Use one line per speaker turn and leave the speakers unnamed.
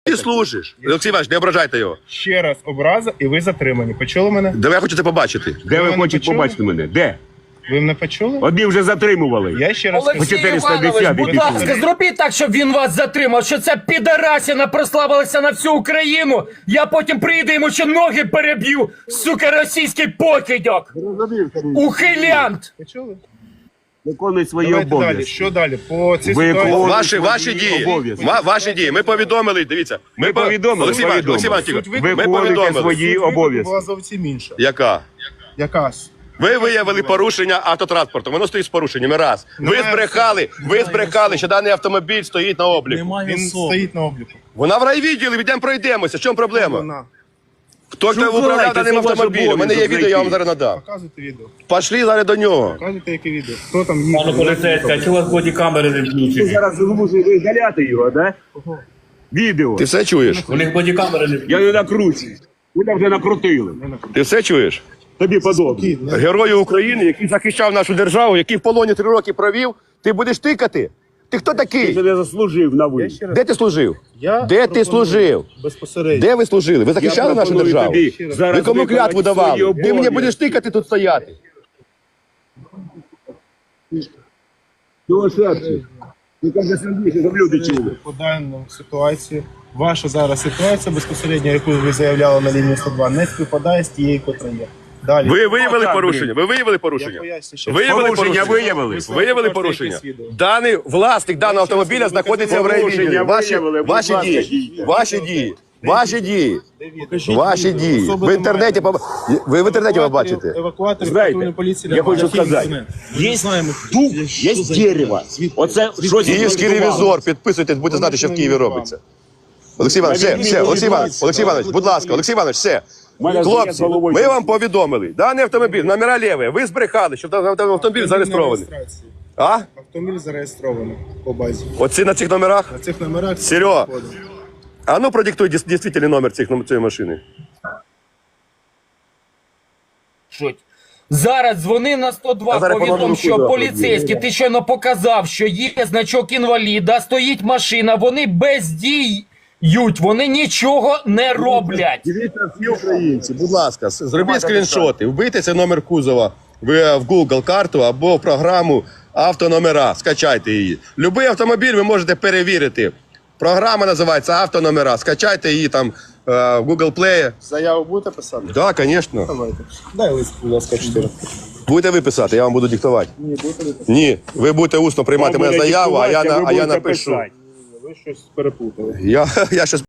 Ти служиш. Олексій Іванович, не ображайте його.
Ще раз образа і ви затримані. Почули мене?
Де я хочу це побачити.
Де ви
мене
хочете
почули?
побачити мене? Де?
Ви мене почули?
Одні вже затримували.
Я ще раз
Олексій
кажу.
410
Іванович, будь
підпис.
ласка, зробіть так, щоб він вас затримав, що ця підарасіна прославилася на всю Україну. Я потім прийду, йому ще ноги переб'ю, сука, російський покидьок. Ухилянт.
Почули?
Виконуй свої
Давайте далі.
обов'язки.
Що далі? По цій
Ви
ситуації.
Ваші дії.
обов'язки.
Ваші дії. Ми повідомили, дивіться.
Ми повідомили,
Олексій Іванович, Олексій Іванович,
Суть
тихо.
виклику
Ми
виконуйте
повідомили.
свої
Суть виклику
обов'язки.
була зовсім інша.
Яка?
Якась.
Ви виявили порушення автотранспорту. Воно стоїть з порушеннями. Раз. Ви збрехали, що даний автомобіль стоїть на обліку.
Він стоїть на обліку.
Вона в райвідділі, йдемо пройдемося. В чому проблема?
Вона.
Хто ж управляв
Шукайте,
даним
це ваш
автомобілем? У мене є
обов'язок
відео, я вам
знайти.
зараз надам.
Показуйте відео.
Пішли зараз до нього.
Показуйте, яке відео. Хто там
Пане
їхав?
поліцейський, а чого у вас бодікамери не включені?
Зараз змушуєте видаляти його, да? Відео.
Ти все чуєш?
У них бодікамери не включені.
Я не накручую. Ви вже накрутили.
Ти все чуєш?
Тобі подобно.
Герою України, який захищав нашу державу, який в полоні 3 роки провів, ти будеш тикати? Ти хто
Ти
такий?
не заслужив на ви.
ще раз.
Де ти служив?
Я
Де ти
пропоную
служив?
Безпосередньо.
Де ви служили? Ви захищали нашу
пропоную
державу?
тобі зараз
Ви кому
виконати
клятву
свої
давали? Ти мені
обов'язки.
будеш тикати тут стояти.
Чого серце? Ти каже сильніше, щоб люди чули.
По даному ситуації, ваша зараз ситуація безпосередньо, яку ви заявляли на лінії 102, не співпадає з тією, котра є. Далі.
Ви виявили
так,
порушення? Ви виявили
Я
порушення?
поясню ще.
Виявили
Порушення
порушення?
виявили.
Виявили порушення? Даний власник даного автомобіля знаходиться в райвідділі.
Порушення виявили, будь
Ваші
ласка,
дії.
дійте.
Ваші дії. Ваші дії.
Покажіть
Ваші
відео.
дії.
Особи
В інтернеті ви в інтернеті побачите.
Евакуатори
Знаєте,
патрульної поліції.
я хочу сказати, є дуб, є дерево. Оце щось
Київський ревізор, підписуйтесь, будете знати, що в Києві робиться. Олексій Іванович, все, Олексій Іванович, будь ласка, Олексій Іванович, все. Хлопці, ми вам повідомили, даний автомобіль, номера ліві, ви збрехали, що автомобіль зареєстрований. А?
Автомобіль зареєстрований по базі.
Оці на цих номерах?
На цих номерах.
Серьо, а ну продиктуй дійсний номер цієї машини.
Зараз дзвони на 102,
А зараз
повідом,
по
що
номеру
поліцейський, ти щойно показав, що є значок інваліда, стоїть машина, вони бездіють, вони нічого не роблять.
Дивіться всі українці, будь ласка, зробіть скріншоти, вбийте цей номер кузова в Google карту або в програму автономера, скачайте її. Любий автомобіль ви можете перевірити. Програма називається автономера, скачайте її там в Google Play.
Заяву будете писати?
Так, звісно.
Давайте. Дай лист, будь ласка, 4.
Будете ви писати, я вам буду диктувати.
Ні, будете ви писати.
Ні, ви будете усно приймати
Вам
мене
буде
заяву, а
диктувати,
я
ви будете
напишу.
писати.
Ви щось переплутали.
Я щас